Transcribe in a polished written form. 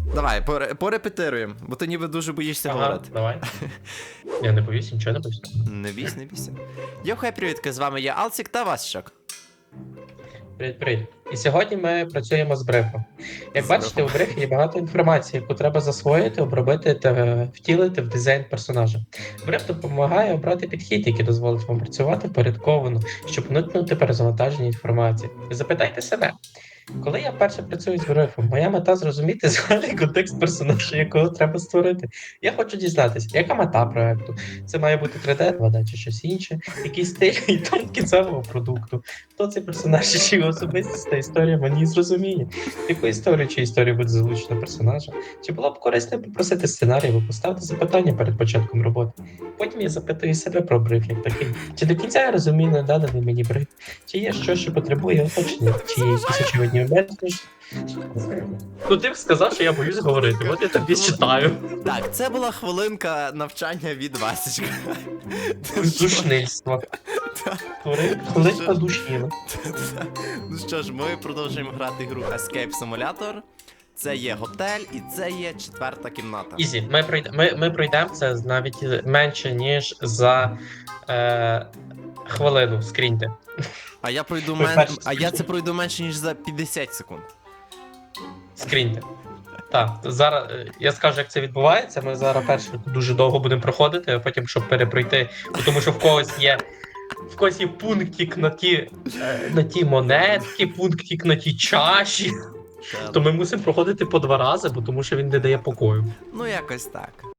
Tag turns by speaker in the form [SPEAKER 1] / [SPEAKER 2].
[SPEAKER 1] Давай, порепетируємо, бо ти ніби дуже боїшся говорити.
[SPEAKER 2] Давай. Я не боюсь, нічого не боюсь.
[SPEAKER 1] Не бійся, не бійся. Йохай, привітки, з вами я Алсік та Васчак.
[SPEAKER 2] Привіт. І сьогодні ми працюємо з брифом. Як
[SPEAKER 1] З
[SPEAKER 2] бачите, у брифі є багато інформації, яку треба засвоїти, обробити та втілити в дизайн персонажа. Бриф допомагає обрати підхід, який дозволить вам працювати впорядковано, щоб уникнути перезавантаження інформації. І запитайте себе, коли я вперше працюю з брифом, моя мета зрозуміти загальний контекст персонажа, якого треба створити. Я хочу дізнатися, яка мета проекту. Це має бути 3D, 2D чи щось інше, який стиль і тон кінцевого продукту. Хто цей персонаж, чи його особистість та історія мені зрозуміє. Яку історію чи історію буде залучено персонажа? Чи було б корисно попросити сценарій або поставити запитання перед початком роботи? Потім я запитую себе про бриф як такий. Чи до кінця я розумію наданий мені бриф? Чи є щось, що потребує уточнення? Чи є якісь очевидні моменти? Ну ти б сказав, що я боюсь говорити, от я тобі читаю.
[SPEAKER 1] Так, це була хвилинка навчання від Васечка.
[SPEAKER 2] Душнильство. Хвилинка душніла.
[SPEAKER 1] Ну що ж, ми продовжуємо грати гру Escape Simulator. Це є готель і це є 4-та кімната.
[SPEAKER 2] Ізі, ми пройдемо це навіть менше, ніж за хвилину, скріньте.
[SPEAKER 1] А я пройду це пройду менше, ніж за 50 секунд.
[SPEAKER 2] Скріньте. Так, зараз я скажу, як це відбувається. Ми зараз перше дуже довго будемо проходити, а потім, щоб перепройти, тому що в когось є пунктик на ті монетки, пунктик на ті чаші. То ми мусимо проходити по 2 рази, бо тому що він не дає покою.
[SPEAKER 1] Ну якось так.